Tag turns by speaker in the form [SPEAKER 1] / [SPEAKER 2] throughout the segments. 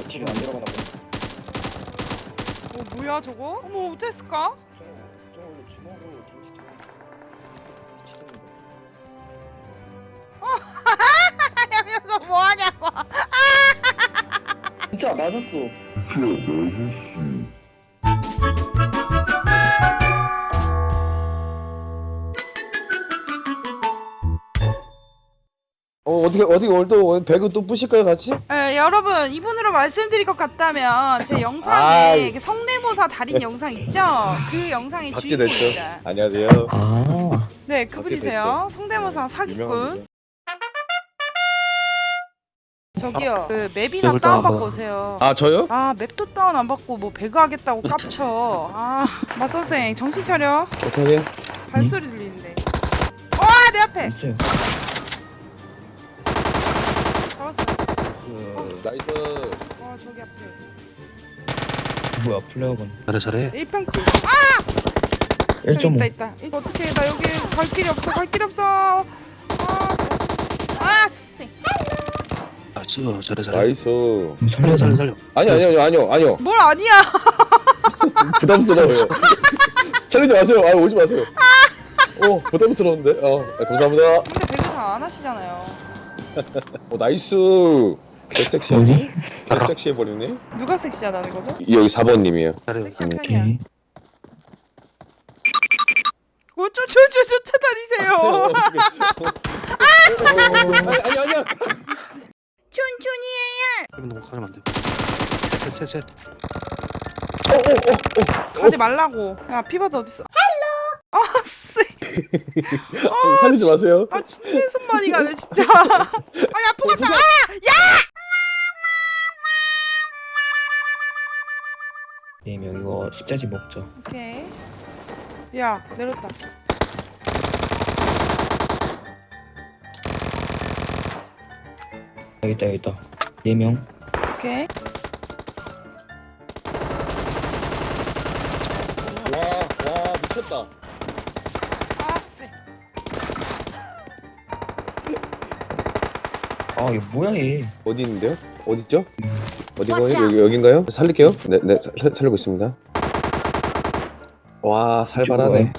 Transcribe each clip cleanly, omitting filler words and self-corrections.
[SPEAKER 1] 딜이 안 들어가나 보네.
[SPEAKER 2] 뭐야 저거? 어머 어땠을까?
[SPEAKER 1] 저 원래 주먹으로 데미지 들어가는
[SPEAKER 2] 하면서 뭐하냐고.
[SPEAKER 1] 진짜 맞았어.
[SPEAKER 3] 어떻게 오늘도 배그 또 부실까요 같이?
[SPEAKER 2] 여러분 이분으로 말씀드릴 것 같다면 제 영상에
[SPEAKER 3] 아이.
[SPEAKER 2] 그 성대모사 달인 영상 있죠? 그 영상의
[SPEAKER 3] 박제됐죠.
[SPEAKER 2] 주인공입니다.
[SPEAKER 3] 안녕하세요.
[SPEAKER 1] 아.
[SPEAKER 2] 네 그분이세요. 성대모사 사기꾼.
[SPEAKER 3] 유명합니다.
[SPEAKER 2] 저기요 그 맵이나
[SPEAKER 4] 맵을
[SPEAKER 2] 다운
[SPEAKER 4] 다운
[SPEAKER 2] 받고 오세요.
[SPEAKER 3] 아 저요?
[SPEAKER 2] 아 맵도 다운 안 받고 뭐 배그 하겠다고 깝쳐. 아 맞선생 정신 차려.
[SPEAKER 3] 어떻게?
[SPEAKER 2] 발소리 들리는데. 와 내 앞에
[SPEAKER 1] 있어요.
[SPEAKER 2] 잡았어.
[SPEAKER 3] 나이스.
[SPEAKER 2] 와 저기 앞에
[SPEAKER 1] 뭐야 플레어건.
[SPEAKER 4] 잘해.
[SPEAKER 2] 1평집. 저기
[SPEAKER 1] 1.5.
[SPEAKER 2] 있다. 어떻게 나 여기 갈 길이 없어. 갈 길이 없어. 씨.
[SPEAKER 4] 아 지워 잘해.
[SPEAKER 3] 나이스.
[SPEAKER 4] 살려.
[SPEAKER 3] 아니요.
[SPEAKER 2] 뭘 아니야.
[SPEAKER 3] 부담스러워요. 차리지 마세요. 오지 마세요. 부담스러운데. 감사합니다.
[SPEAKER 2] 근데 배그 잘 안 하시잖아요.
[SPEAKER 3] 나이스. 개섹시하네.
[SPEAKER 1] 뭐지?
[SPEAKER 3] 개섹시해 버리네.
[SPEAKER 2] 누가 섹시하다는 거죠?
[SPEAKER 3] 여기 4번님이에요.
[SPEAKER 4] 잘해.
[SPEAKER 2] 섹시한 편이야.
[SPEAKER 1] 오케이.
[SPEAKER 2] 쫓아다니세요.
[SPEAKER 3] 아니야.
[SPEAKER 2] 촌촌이
[SPEAKER 4] 이런 거 가면 안 돼. 셋.
[SPEAKER 2] 가지 말라고. 야 피버드 어딨어? 헬로. 씨.
[SPEAKER 3] 살리지 마세요.
[SPEAKER 2] 내 손 많이 가네 진짜. 아프 같다.
[SPEAKER 1] 네명 이거 십자지 먹자.
[SPEAKER 2] 오케이. 야 내렸다.
[SPEAKER 1] 여기 있다. 4명.
[SPEAKER 2] 오케이.
[SPEAKER 3] 와 미쳤다.
[SPEAKER 2] 씨.
[SPEAKER 1] 아 이거 뭐야 얘.
[SPEAKER 3] 어디 있는데요? 어디 있죠? 어디가요? 여긴가요? 살릴게요. 네, 살리고 있습니다. 와, 살벌하네.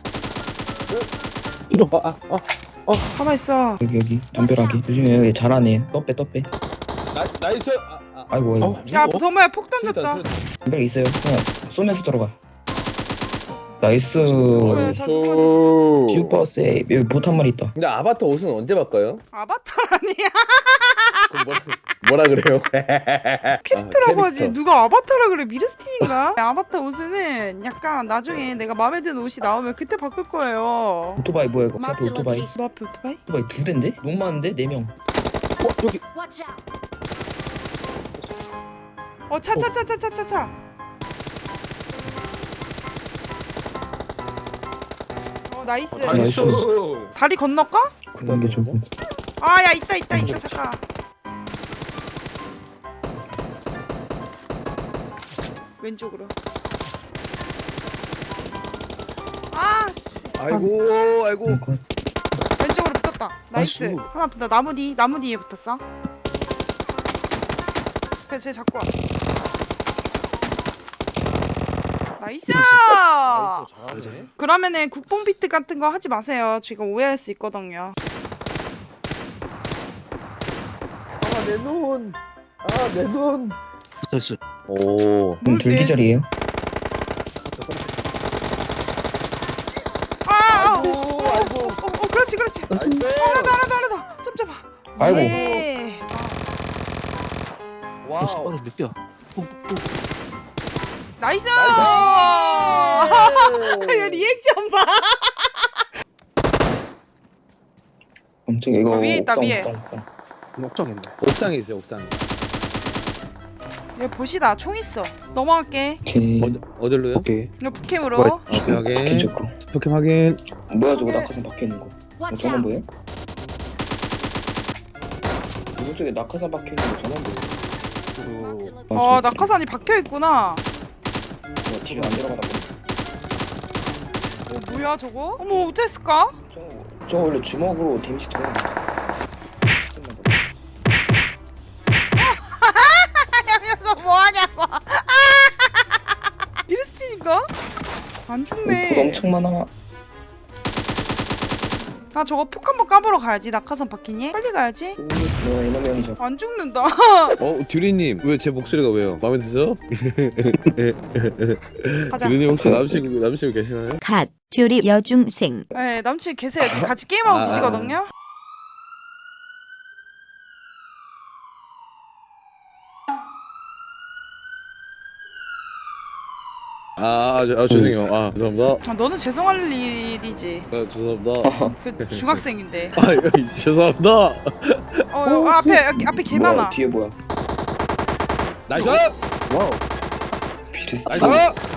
[SPEAKER 3] 이런
[SPEAKER 2] 가만 있어.
[SPEAKER 1] 여기 담벼락이. 요즘에 여기 잘하네. 떠빼.
[SPEAKER 3] 나이스.
[SPEAKER 1] 아이고.
[SPEAKER 2] 야 정말 폭 던졌다.
[SPEAKER 1] 담벼락 있어요. 그냥 쏘면서 들어가. 나이스.
[SPEAKER 2] 뭐야, 저
[SPEAKER 1] 슈퍼 세이브. 여기 봇 한 마리 있다.
[SPEAKER 3] 근데 아바타 옷은 언제 바꿔요?
[SPEAKER 2] 아바타라니.
[SPEAKER 3] 그럼 뭐라 그래요?
[SPEAKER 2] 캐릭터라고 하지.
[SPEAKER 3] 캐릭터.
[SPEAKER 2] 누가 아바타라 그래? 미르스틴인가? 아바타 옷은 약간 나중에 내가 마음에 드는 옷이 나오면 그때 바꿀 거예요.
[SPEAKER 1] 오토바이 뭐야 이거? 앞에 오토바이.
[SPEAKER 2] 너 앞에 오토바이?
[SPEAKER 1] 오토바이 2대인데? 너무 많은데? 4명.
[SPEAKER 3] 저기
[SPEAKER 2] 차. 나이스.
[SPEAKER 1] 나이스.
[SPEAKER 2] 다리 건널까?
[SPEAKER 1] 그런 게 좋고.
[SPEAKER 2] 야 있다 잠깐. 왼쪽으로. 씨.
[SPEAKER 3] 아이고.
[SPEAKER 2] 왼쪽으로 붙었다. 나이스.
[SPEAKER 4] 나이스.
[SPEAKER 2] 하나 붙다. 나무 뒤에 붙었어. 그래 쟤 잡고 와. 나이스.
[SPEAKER 3] 잘하네.
[SPEAKER 2] 그러면은 국뽕 비트 같은 거 하지 마세요. 지금 오해할 수 있거든요.
[SPEAKER 3] 내 눈. 내 눈.
[SPEAKER 4] 됐어.
[SPEAKER 3] 오.
[SPEAKER 1] 그럼 둘 기절이에요?
[SPEAKER 3] 아이고.
[SPEAKER 2] 그렇지.
[SPEAKER 3] 나이스.
[SPEAKER 2] 하나 더. 좀 잡아.
[SPEAKER 1] 아이고.
[SPEAKER 2] 예.
[SPEAKER 3] 와우.
[SPEAKER 4] 스파로 몇 개야?
[SPEAKER 2] 나이스.
[SPEAKER 3] 나이스.
[SPEAKER 2] 야, 리액션 봐.
[SPEAKER 1] 엄청 이거
[SPEAKER 2] 위에 있다, 위에.
[SPEAKER 1] 옥상.
[SPEAKER 4] 옥정했네.
[SPEAKER 3] 옥상에 있어요. 옥상에.
[SPEAKER 2] 얘 보시다. 총 있어. 넘어갈게.
[SPEAKER 1] 오케이.
[SPEAKER 3] 어디로요?
[SPEAKER 4] 오케이.
[SPEAKER 2] 이거 북캠으로.
[SPEAKER 3] 확인.
[SPEAKER 1] 괜찮고.
[SPEAKER 3] 포켓 확인.
[SPEAKER 1] 뭐야 저거 낙하산 박혀있는 거. 저건 뭐예요? 오른쪽에 낙하산 박혀있는 거 저건 뭐예요?
[SPEAKER 2] 낙하산이 박혀 있구나.
[SPEAKER 1] 딜이 안 들어가나 보네.
[SPEAKER 2] 뭐야 저거? 어머 어땠을까?
[SPEAKER 1] 저거 원래 주먹으로 데미지 들어가는 거.
[SPEAKER 2] 하면서 안
[SPEAKER 1] 폭
[SPEAKER 2] 죽네.
[SPEAKER 1] 엄청 많아.
[SPEAKER 2] 나 저거 폭 한번 까보러 가야지. 낙하산 바뀌니? 빨리 가야지.
[SPEAKER 1] 너 이놈의 형이죠.
[SPEAKER 2] 안 죽는다.
[SPEAKER 3] 듀리님 왜 제 목소리가 왜요? 마음에 드세요?
[SPEAKER 2] 가자.
[SPEAKER 3] 듀리님 혹시 남자친구 계시나요?
[SPEAKER 5] 갓 듀리 여중생
[SPEAKER 2] 네, 남친 계세요. 지금 같이 게임하고 계시거든요.
[SPEAKER 3] 죄송해요. 죄송합니다.
[SPEAKER 2] 아, 너는 죄송할 일이지.
[SPEAKER 3] 죄송합니다.
[SPEAKER 2] 그 중학생인데.
[SPEAKER 3] 죄송합니다.
[SPEAKER 2] 앞에 개 많아.
[SPEAKER 1] 뭐야, 뒤에 뭐야?
[SPEAKER 3] 나이스!
[SPEAKER 4] 와우.
[SPEAKER 1] 비르스.
[SPEAKER 3] 나이스!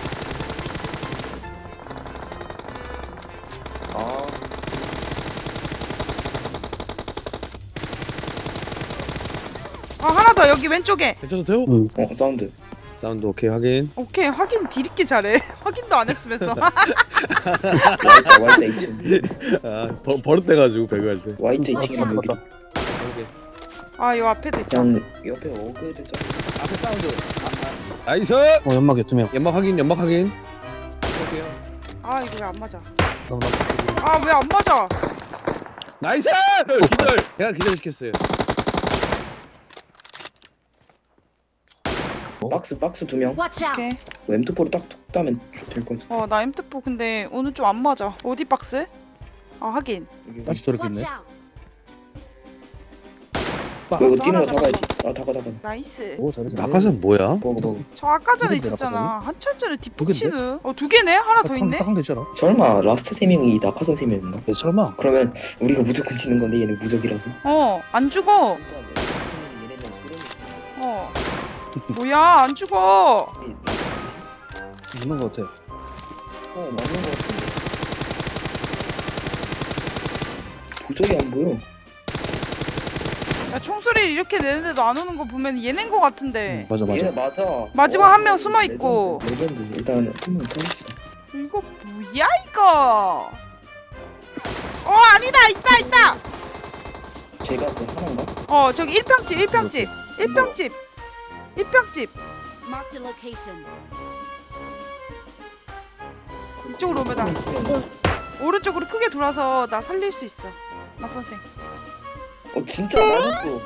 [SPEAKER 2] 하나 더 여기 왼쪽에.
[SPEAKER 3] 괜찮으세요?
[SPEAKER 1] 사운드.
[SPEAKER 3] 사운드 오케이 확인.
[SPEAKER 2] 오케이, 확인 뒤늦게 잘해. 확인도 안 했으면서.
[SPEAKER 1] YJ2층.
[SPEAKER 3] 버릇돼가지고 배그할 때.
[SPEAKER 1] YJ2층이랑 여기.
[SPEAKER 2] 요 앞에도 있다.
[SPEAKER 1] 그냥 옆에 어그 되죠.
[SPEAKER 3] 앞에 사운드. 나이스!
[SPEAKER 4] 연막에 2명.
[SPEAKER 3] 연막 확인.
[SPEAKER 2] 이거 왜 안 맞아? 왜 안 맞아?
[SPEAKER 3] 나이스! 기절! 제가 기절시켰어요.
[SPEAKER 1] 박스 2명.
[SPEAKER 2] 오케이.
[SPEAKER 1] M2포로 딱툭 따면 될 것 같아.
[SPEAKER 2] 나 M4 근데 오늘 좀 안 맞아. 어디 박스? 하긴.
[SPEAKER 4] 다시 저렇게 있네.
[SPEAKER 1] 이거 뛰는 거
[SPEAKER 2] 하나
[SPEAKER 1] 잡아야지. 다가.
[SPEAKER 2] 나이스.
[SPEAKER 4] 오 잘해.
[SPEAKER 3] 낙하산 뭐야?
[SPEAKER 1] 먹어.
[SPEAKER 2] 저 아까 전에
[SPEAKER 4] 두 개인데,
[SPEAKER 2] 있었잖아. 한참 전에
[SPEAKER 4] 두
[SPEAKER 2] 뒷붙이는. 두 개네? 하나 더 있네?
[SPEAKER 4] 딱 되잖아.
[SPEAKER 1] 설마 라스트 3명이 낙하산 3명인가?
[SPEAKER 4] 네, 설마.
[SPEAKER 1] 그러면 우리가 무조건 지는 건데 얘는 무적이라서.
[SPEAKER 2] 안 죽어. 뭐야, 안 죽어.
[SPEAKER 4] 있는 거 같아.
[SPEAKER 1] 맞는 거 같은데. 도저히 안 보여.
[SPEAKER 2] 야, 총소리 이렇게 내는데도 안 오는 거 보면 얘네인 거 같은데.
[SPEAKER 4] 맞아.
[SPEAKER 1] 얘네 맞아.
[SPEAKER 2] 마지막 한 명 숨어 있고.
[SPEAKER 1] 레전드. 일단 한명 터집시다.
[SPEAKER 2] 이거 뭐야 이거? 아니다, 있다.
[SPEAKER 1] 제가 그 하나인가?
[SPEAKER 2] 저기 1평집.
[SPEAKER 5] Marked a location.
[SPEAKER 2] 이쪽으로 오면 나 오른쪽으로 크게 돌아서 나 살릴 수 있어. 맞선생.
[SPEAKER 1] 진짜 맞았어.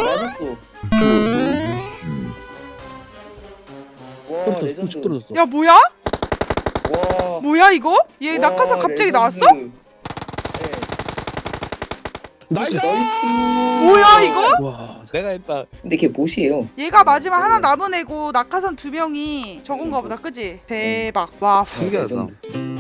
[SPEAKER 1] 와
[SPEAKER 4] 뚝
[SPEAKER 1] 레전드.
[SPEAKER 4] 떨어졌어.
[SPEAKER 2] 야, 뭐야?
[SPEAKER 1] 와.
[SPEAKER 2] 뭐야 이거? 얘
[SPEAKER 1] 와,
[SPEAKER 2] 낙하산 갑자기
[SPEAKER 1] 레전드.
[SPEAKER 2] 나왔어?
[SPEAKER 1] 네.
[SPEAKER 3] 나이스!
[SPEAKER 2] 뭐야 이거?
[SPEAKER 4] 와.
[SPEAKER 3] 내가 했다.
[SPEAKER 1] 근데 걔 못이에요.
[SPEAKER 2] 얘가 마지막 하나 남은 애고 낙하산 2명이 저건가 보다, 그지? 대박. 와,
[SPEAKER 3] 신기하다.
[SPEAKER 1] 레전드.